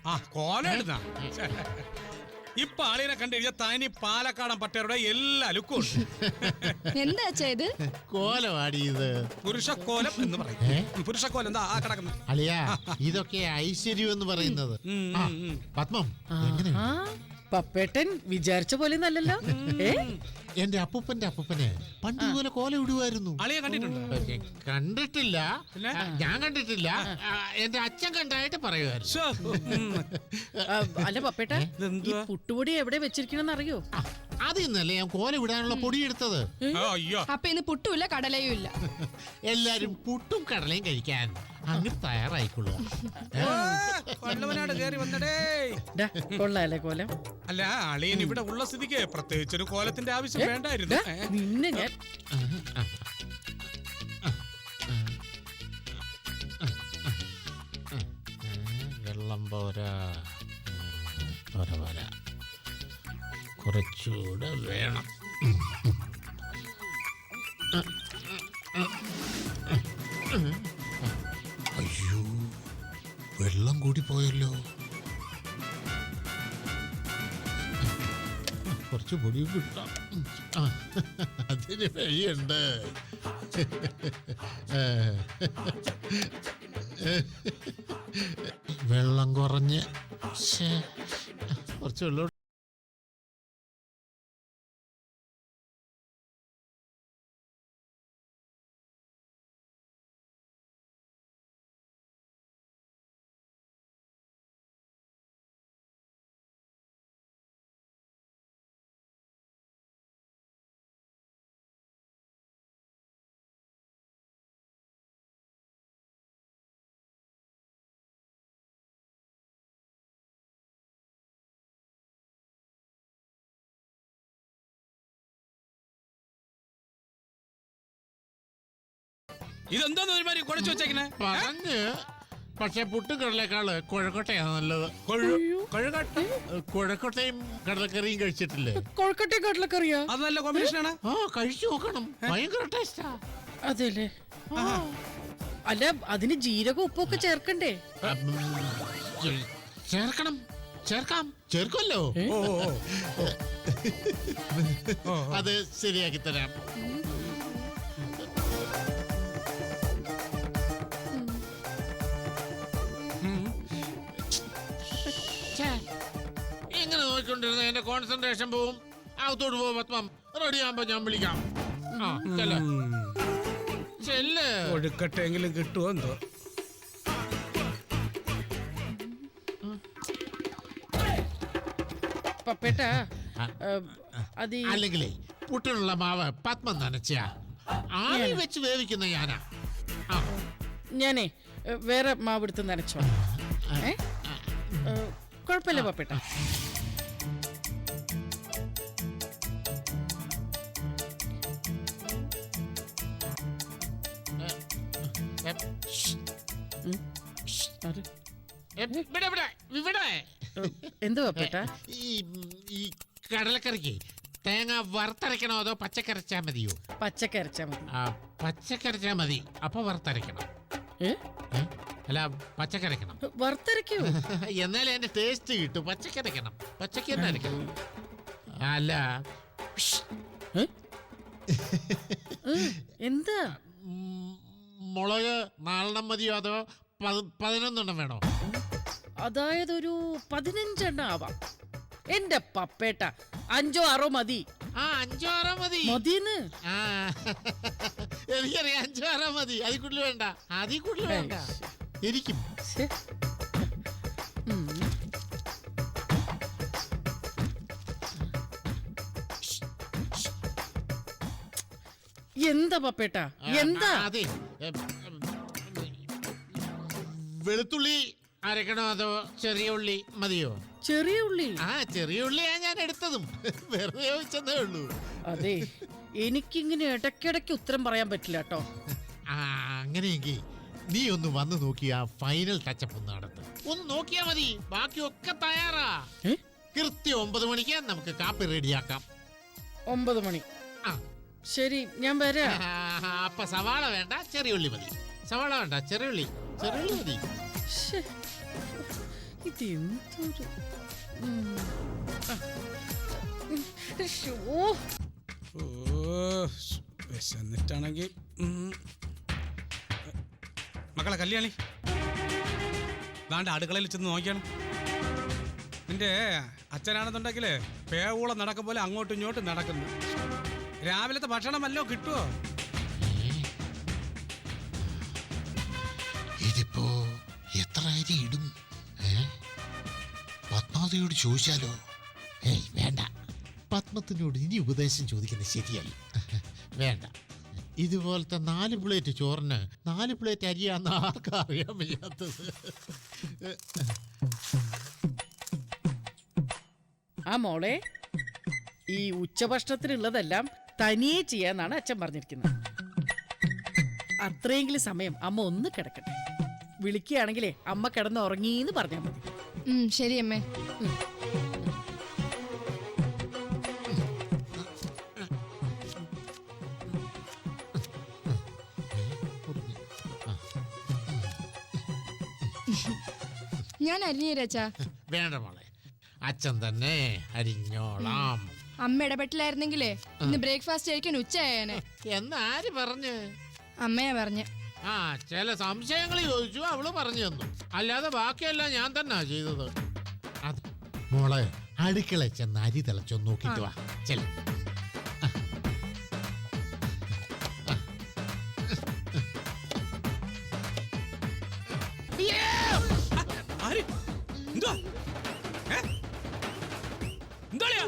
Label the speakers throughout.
Speaker 1: കോല ഇപ്പൊ ആളിനെ കണ്ടുകഴിഞ്ഞാൽ തനി പാലക്കാടൻ പട്ടേരുടെ എല്ലാ ലുക്കും
Speaker 2: എന്താ ഇത്
Speaker 3: കോലവാടിയത്
Speaker 1: പുരുഷക്കോലം എന്ന് പറയും. പുരുഷക്കോലം എന്താ ആ കിടക്കുന്നത്
Speaker 3: അളിയാ, ഇതൊക്കെ ഐശ്വര്യം എന്ന് പറയുന്നത്. പത്മം
Speaker 4: പപ്പേട്ടൻ വിചാരിച്ച പോലെ നല്ലല്ലോ.
Speaker 3: എന്റെ അപ്പൂപ്പനെ പണ്ട് ഇതുപോലെ കോല ഇടുമായിരുന്നു.
Speaker 1: അളിയെ കണ്ടിട്ടുണ്ടോ?
Speaker 3: കണ്ടിട്ടില്ല, ഞാൻ കണ്ടിട്ടില്ല. എന്റെ അച്ഛൻ കണ്ടായിട്ട് പറയുമായിരുന്നു.
Speaker 4: അല്ല പപ്പേട്ട, ഈ പുട്ടുപൊടി എവിടെ വെച്ചിരിക്കണെന്ന് അറിയോ?
Speaker 3: അതിന്നല്ലേ ഞാൻ കോല വിടാനുള്ള പൊടി എടുത്തത്.
Speaker 2: അപ്പൊ ഇന്ന് പുട്ടുമില്ല കടലയും ഇല്ല.
Speaker 3: എല്ലാരും പുട്ടും കടലയും കഴിക്കാൻ അങ്ങ് തയ്യാറായിക്കൊള്ളുക.
Speaker 4: കൊള്ളാല്ലേ കോലം?
Speaker 1: അല്ല, അളിയൻ ഇവിടെ ഉള്ള സ്ഥിതിക്ക് പ്രത്യേകിച്ചൊരു കോലത്തിന്റെ ആവശ്യം വേണ്ടായിരുന്നു.
Speaker 4: നിന്നെ ഞാൻ
Speaker 3: വെള്ളം പോരാ, പോരാ, കുറച്ചുകൂടെ വേണം. അയ്യോ, വെള്ളം കൂടി പോയല്ലോ. കുറച്ച് പൊടിയും കിട്ടാം. അതിന് വഴിയുണ്ട്. വെള്ളം കുറഞ്ഞ് കുറച്ച് വെള്ളം.
Speaker 1: ഇതെന്താന്ന് ഒരുമാതിരി കുഴച്ചു വെച്ചേക്കണേ?
Speaker 3: പക്ഷെ പുട്ടുകടലേക്കാള് കുഴക്കട്ടയാണ് നല്ലത്. കുഴക്കട്ടയും കടലക്കറിയും കഴിച്ചിട്ടില്ലേ?
Speaker 4: കൊഴക്കട്ടയും കടലക്കറിയാ?
Speaker 1: അത് നല്ല കോമ്പിനേഷനാണ്.
Speaker 3: കഴിച്ചു നോക്കണം, ഭയങ്കര ടേസ്റ്റാ.
Speaker 4: അതെല്ലേ? അല്ല, അതിന് ജീരകം ഉപ്പൊക്കെ ചേർക്കണ്ടേ?
Speaker 3: ചേർക്കുമല്ലോ. അത് ശരിയാക്കി തരാം. ഇങ്ങനെ നോക്കിക്കൊണ്ടിരുന്ന എന്റെ കോൺസെൻട്രേഷൻ പോവും. അകത്തോട്ട് പോവും. പത്മം റെഡി ആകുമ്പോ ഞാൻ വിളിക്കാം.
Speaker 1: ഒഴുക്കട്ടെങ്കിലും കിട്ടുമോ എന്തോ.
Speaker 4: പപ്പേട്ട,
Speaker 3: അല്ലെങ്കിലേ പുട്ടിനുള്ള മാവ് പത്മം നനച്ച ആവി വെച്ച് വേവിക്കുന്ന ഞാനാ.
Speaker 4: ഞാനേ വേറെ മാവ് എടുത്ത് നനച്ചോ. കുഴപ്പമില്ല പപ്പേട്ട. എന്ത് പപ്പേട്ട?
Speaker 3: ഈ കടലക്കറിക്ക് തേങ്ങ വറുത്തരക്കണോ അതോ പച്ചക്കരച്ചാ മതിയോ?
Speaker 4: പച്ചക്കരച്ചാ മതി.
Speaker 3: പച്ചക്കരച്ചാ മതി. അപ്പൊ വറുത്തരക്കണം. അല്ല, പച്ചക്കരക്കണം.
Speaker 4: വറുത്തരക്കോ?
Speaker 3: എന്നാലേ എന്റെ ടേസ്റ്റ് കിട്ടും. പച്ചക്കരക്കണം, പച്ചക്ക് തന്നെ അരക്കണം. അല്ല,
Speaker 4: എന്താ
Speaker 3: മുളക് 4 മതിയോ അതോ 11 വേണോ?
Speaker 4: അതായത് ഒരു 15 ആവാം. എന്റെ പപ്പേട്ട 5 6 മതി.
Speaker 3: 5 6 മതി.
Speaker 4: മതിന്ന്
Speaker 3: എനിക്കറിയാം. 5 6 മതി. അതിൽ കൂടുതൽ വേണ്ട. അതിൽ കൂടുതൽ വേണ്ട. എനിക്കും
Speaker 4: എന്താ പപ്പേട്ട? എന്താ?
Speaker 3: അതെ, വെളുത്തുള്ളി അരക്കണോ അതോ ചെറിയ ഉള്ളി മതിയോ?
Speaker 4: ചെറിയ ഉള്ളി.
Speaker 3: ചെറിയ ഉള്ളിയാ ഞാൻ എടുത്തതും. വെറുതെ ചോദിച്ചതേ ഉള്ളൂ.
Speaker 4: അതെ, എനിക്കിങ്ങനെ ഇടയ്ക്കിടയ്ക്ക് ഉത്തരം പറയാൻ പറ്റില്ല കേട്ടോ.
Speaker 3: അങ്ങനെയെങ്കിൽ നീ ഒന്ന് വന്ന് നോക്കി ആ ഫൈനൽ ടച്ചപ്പ് ഒന്ന് നടത്ത്. ഒന്ന് നോക്കിയാ മതി. ബാക്കിയൊക്കെ തയ്യാറാ. കൃത്യം 9 മണിക്ക് നമുക്ക് കാപ്പി റെഡിയാക്കാം.
Speaker 4: 9 മണി. ശരി, ഞാൻ വരാം.
Speaker 3: അപ്പൊ സവാള വേണ്ട, ചെറിയ ഉള്ളി മതി. സവാള വേണ്ട, ചെറിയ ഉള്ളി മതി.
Speaker 4: ഇതെന്തൊരു ശ്ശോ.
Speaker 1: ഓ വിശന്നിട്ടാണെങ്കിൽ മക്കളെ കല്യാണി ദാണ്ട് അടുക്കളയിൽ ചെന്ന് നോക്കിയാണ്. നിന്റെ അച്ഛനാണെന്നുണ്ടെങ്കില് പേവൂളം നടക്കും പോലെ അങ്ങോട്ടും ഇങ്ങോട്ടും നടക്കുന്നു. രാവിലത്തെ ഭക്ഷണം വല്ലോ കിട്ടുമോ?
Speaker 3: ഇതിപ്പോ എത്ര അരി ഇടും? പത്മാവതിയോട് ചോദിച്ചാലോ? ഏയ് വേണ്ട, പത്മത്തിനോട് ഇനി ഉപദേശം ചോദിക്കുന്നത് ശരിയല്ല. വേണ്ട, ഇതുപോലത്തെ 4 പ്ലേറ്റ് ചോറിന് 4 പ്ലേറ്റ് അരിയാന്ന് ആർക്കും അറിയാൻ വയ്യാത്തത്.
Speaker 4: ആ മോളെ, ഈ ഉച്ചഭക്ഷണത്തിനുള്ളതെല്ലാം തനിയെ ചെയ്യാന്നാണ് അച്ഛൻ പറഞ്ഞിരിക്കുന്നത്. അത്രയെങ്കിലും സമയം അമ്മ ഒന്ന് കിടക്കട്ടെ. വിളിക്കുകയാണെങ്കിലേ അമ്മ കിടന്ന് ഉറങ്ങിന്ന് പറഞ്ഞാൽ മതി.
Speaker 2: ശരി അമ്മേ. ഞാൻ അരിഞ്ഞേരാച്ചാ.
Speaker 3: വേണ്ട മോളെ, അച്ഛൻ തന്നെ അരിഞ്ഞോളാം.
Speaker 2: അമ്മ ഇടപെട്ടില്ലായിരുന്നെങ്കിലേ ഇന്ന് ബ്രേക്ക്ഫാസ്റ്റ് കഴിക്കാൻ ഉച്ചയായേനെ.
Speaker 3: എന്നാര് പറഞ്ഞ്?
Speaker 2: അമ്മയാ പറഞ്ഞ.
Speaker 3: ആ, ചില സംശയങ്ങൾ ചോദിച്ചു, അവള് പറഞ്ഞു തന്നു. അല്ലാതെ ബാക്കിയെല്ലാം ഞാൻ തന്നെ ചെയ്തത്. അത് മോളെ, അടുക്കള ചെന്ന് അരി തിളച്ചൊന്ന് നോക്കിട്ട് വാ. ചെല
Speaker 1: ആര്? എന്തുവാ? ഏ? എന്തുവാളിയാ?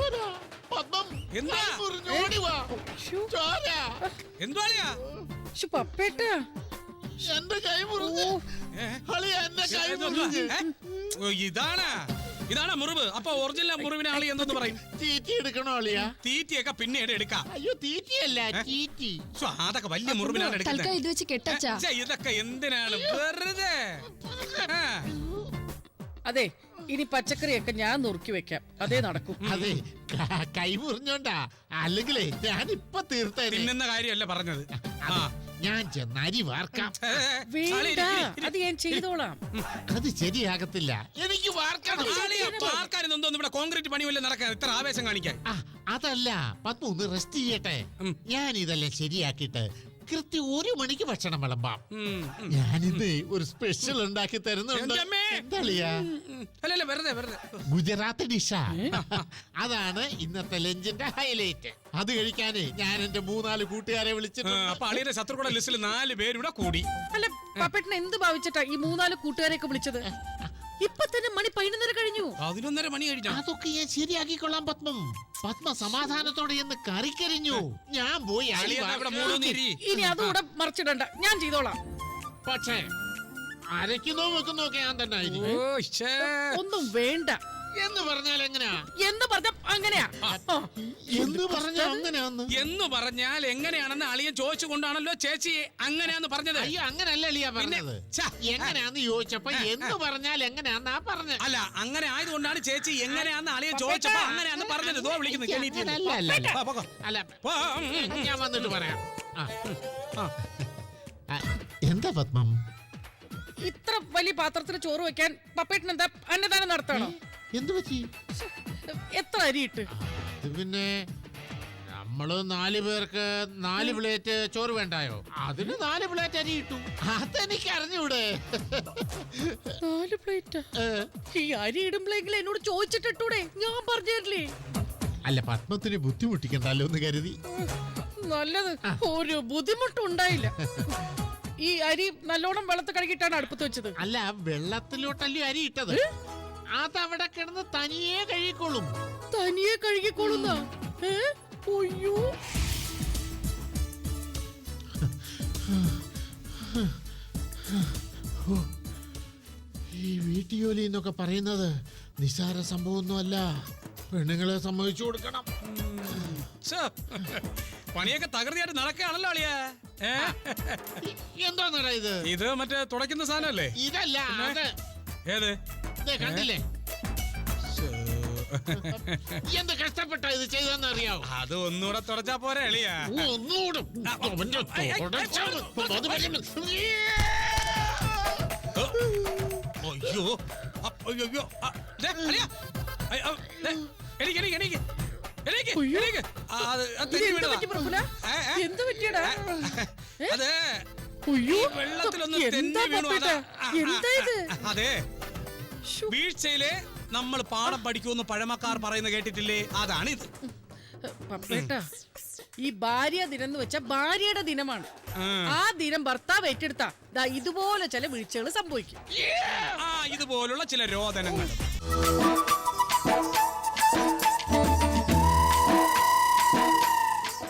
Speaker 1: എന്തുവാ?
Speaker 4: ശ്ശോ.
Speaker 1: എന്തുവാളിയാ?
Speaker 4: ശ്ശോ, പപ്പേട്ടാ.
Speaker 3: എന്റെ കൈ മുറിഞ്ഞു.
Speaker 1: ഏ?
Speaker 3: അളിയ എന്റെ കൈ
Speaker 1: എന്തുവാ?
Speaker 3: മുറിഞ്ഞു.
Speaker 1: ഏ? ഓ, ഇതാണ് മുറിവ്. അപ്പൊ ഒറിജിനൽ മുറിവിനെ ആളി എന്തെന്ന് പറയും?
Speaker 3: തീറ്റി എടുക്കണോ അളിയ?
Speaker 1: തീറ്റിയൊക്കെ പിന്നീട് എടുക്കാം.
Speaker 3: അയ്യോ, തീറ്റിയല്ല, തീറ്റി.
Speaker 1: അതൊക്കെ വലിയ മുറിവിനാണ്
Speaker 2: തൽക്കാലം
Speaker 1: എടുക്കുന്നത്.
Speaker 2: ഇത് വെച്ച് കെട്ടച്ചാ.
Speaker 1: ഇതൊക്കെ എന്തിനാണ് വെറുതെ? ആ.
Speaker 4: അതെ, ഇനി പച്ചക്കറിയൊക്കെ ഞാൻ നുറുക്കി വെക്കാം. അതേ നടക്കും.
Speaker 3: അതെ, കൈ മുറിഞ്ഞോണ്ടാ. അല്ലെങ്കിലേ ഞാൻ ഇപ്പൊ തീർത്തേനെ.
Speaker 1: തിന്നുന്ന കാര്യമല്ല പറഞ്ഞത്. ആ.
Speaker 3: ഞാൻ ചെന്ന് അരി വാർക്കാം.
Speaker 4: വേണ്ട, അത് ഞാൻ ചെയ്തോളാം.
Speaker 3: അത് ശരിയാകത്തില്ല, എനിക്ക് വാർക്കണം.
Speaker 1: പാർക്കാനൊന്നും ഇവിടെ കോൺക്രീറ്റ് പണി വല്ല നടക്കാൻ ഇത്ര ആവേശം കാണിക്കാൻ.
Speaker 3: അതല്ല, പത്മ ഒന്ന് റെസ്റ്റ് ചെയ്യട്ടെ. ഞാൻ ഇതെല്ലാം ശരിയാക്കിയിട്ട് കൃത്യം 1 മണിക്ക് ഭക്ഷണം വിളമ്പാം. ഞാനിന്ന് ഒരു സ്പെഷ്യൽ ഉണ്ടാക്കി തരുന്നുണ്ട്.
Speaker 1: അല്ലല്ല, വെറുതെ
Speaker 3: ഗുജറാത്ത് ഡിഷാ. അതാണ് ഇന്നത്തെ ലഞ്ചിന്റെ ഹൈലൈറ്റ്. അത് കഴിക്കാന് ഞാൻ എന്റെ 3-4 കൂട്ടുകാരെ വിളിച്ചിട്ട്.
Speaker 1: അപ്പൊ അളിയുടെ ശത്രുക്കളുടെ ലിസ്റ്റിൽ 4 പേരൂടെ കൂടി.
Speaker 4: അല്ല, പപ്പേട്ടൻ എന്ത് ഭാവിച്ചിട്ടാ ഈ 3-4 കൂട്ടുകാരെയൊക്കെ വിളിച്ചത്? ഇപ്പൊ തന്നെ മണി 11:30 കഴിഞ്ഞു.
Speaker 1: 11:30 മണി കഴിഞ്ഞു.
Speaker 3: അതൊക്കെ ഞാൻ ശരിയാക്കിക്കൊള്ളാം പത്മം. പത്മ സമാധാനത്തോടെ എന്ന് കറിക്കരിഞ്ഞു. ഞാൻ പോയി അരി വാർക്കാം.
Speaker 4: ഇനി അതുകൂടെ മറിച്ചിടണ്ട, ഞാൻ ചെയ്തോളാം.
Speaker 3: പക്ഷേ അരയ്ക്കുന്നോ വെക്കുന്നോ ഒക്കെ ഞാൻ തന്നെ ആയിരിക്കും.
Speaker 4: ഒന്നും വേണ്ട
Speaker 3: എന്ന് പറഞ്ഞാൽ എങ്ങനെയാ?
Speaker 4: എന്ന് പറഞ്ഞ അങ്ങനെയാ.
Speaker 3: എന്ന് പറഞ്ഞാൽ അങ്ങനെയാന്ന്.
Speaker 1: എന്ന് പറഞ്ഞാൽ എങ്ങനെയാണെന്ന് അളിയൻ ചോദിച്ചുകൊണ്ടാണല്ലോ ചേച്ചി അങ്ങനെയാന്ന് പറഞ്ഞത്.
Speaker 3: അയ്യോ, അങ്ങനല്ല അളിയാ പറഞ്ഞത്. എങ്ങനെയാന്ന് ചോദിച്ചപ്പോ എന്ന് പറഞ്ഞാൽ എങ്ങനെയാന്നാ പറഞ്ഞത്.
Speaker 1: അല്ല, അങ്ങനെ ആയതുകൊണ്ടാണ് ചേച്ചി എങ്ങനെയാന്ന് അളിയൻ ചോദിച്ചപ്പോ അങ്ങനെയാന്ന് പറഞ്ഞത്. ഇതോ വിളിക്കുന്നു.
Speaker 3: അല്ല, ഞാൻ വന്നിട്ട് പറയാം. എന്താ പത്മം?
Speaker 4: ഇത്ര വലിയ പാത്രത്തിൽ ചോറ് വെക്കാൻ പപ്പേട്ടൻ എന്താ അന്നദാനം നടത്തണോ?
Speaker 3: എന്തു പറ്റി?
Speaker 4: എത്ര അരിയിട്ട്?
Speaker 3: പിന്നെ നമ്മള് 4 പേർക്ക് 4 പ്ലേറ്റ് ചോറ് വേണ്ടായോ? അതിന് 4 പ്ലേറ്റ് അരി ഇട്ടു. അതെനിക്ക് അറിഞ്ഞൂടെ?
Speaker 4: 4 പ്ലേറ്റ്? ഈ അരി ഇടുമ്പോഴെങ്കിലും എന്നോട് ചോദിച്ചിട്ടിട്ടൂടെ? ഞാൻ പറഞ്ഞില്ലേ?
Speaker 3: അല്ല, പത്മത്തിന് ബുദ്ധിമുട്ടിക്കണ്ടല്ലോ എന്ന് കരുതി.
Speaker 4: നല്ലത്. ഒരു ബുദ്ധിമുട്ടും ഉണ്ടായില്ല. ഈ അരി നല്ലോണം വെള്ളത്തിൽ കഴുകിയിട്ടാണ് അടുപ്പത്ത് വെച്ചത്.
Speaker 3: അല്ല, വെള്ളത്തിലോട്ടല്ലേ അരി ഇട്ടത്? അതവിടെ കിടന്ന് തനിയെ കഴുകിക്കോളും.
Speaker 4: തനിയെ കഴുകിക്കോളുന്ന? അയ്യോ,
Speaker 3: ഈ വീട്ടുജോലി എന്നൊക്കെ പറയുന്നത് നിസ്സാര സംഭവമൊന്നുമല്ല. പെണ്ണുങ്ങളെ സമ്മതിച്ചു കൊടുക്കണം.
Speaker 1: പണിയൊക്കെ തകൃതിയായിട്ട് നടക്കുകയാണല്ലോ അളിയാ.
Speaker 3: എന്താ ഇത്?
Speaker 1: ഇത് മറ്റേ തുടയ്ക്കുന്ന സാധനല്ലേ?
Speaker 3: ഇതല്ല,
Speaker 1: ഏത്?
Speaker 3: കണ്ടില്ലേ എന്ത് കഷ്ടപ്പെട്ട ഇത് ചെയ്തെന്ന് അറിയാവോ?
Speaker 1: അത് ഒന്നുകൂടെ തുടച്ചാ പോരെ അളിയാ?
Speaker 3: ഒന്നുകൂടെ
Speaker 1: അയ്യോ, അയ്യോ ദേ, അളിയാ. എണീക്ക്, എണീക്ക്, എണീക്ക്. എണീക്ക്,
Speaker 4: അയ്യോ.
Speaker 1: എണീക്ക്. അത്
Speaker 4: ഇത്
Speaker 1: തെന്നി
Speaker 4: എന്ത്
Speaker 1: വീണതാ.
Speaker 4: പറ്റി പ്രഫുല? എന്ത് പറ്റിയടാ?
Speaker 1: അതെ
Speaker 4: അയ്യോ,
Speaker 1: വെള്ളത്തിലൊന്ന്
Speaker 4: എന്താ
Speaker 1: തെന്നി വീണു.
Speaker 4: പപ്പേട്ടാ? എന്താ ഇത്?
Speaker 1: അതെ
Speaker 4: ശ്ശോ.
Speaker 1: വീഴ്ചയിലെ നമ്മൾ പാഠം പഠിക്കുമെന്ന് പഴമക്കാർ പറയുന്ന കേട്ടിട്ടില്ലേ? അതാണിത്.
Speaker 4: പപ്പേട്ടാ, ഈ ഭാര്യ ദിനം എന്ന് വെച്ചാൽ ഭാര്യയുടെ ദിനമാണ്. ആ ദിനം ഭർത്താവ് ഏറ്റെടുത്താ ദാ ഇതുപോലെ ചില വീഴ്ചകൾ സംഭവിക്കും.
Speaker 1: ഇതുപോലുള്ള ചില രോദനങ്ങൾ.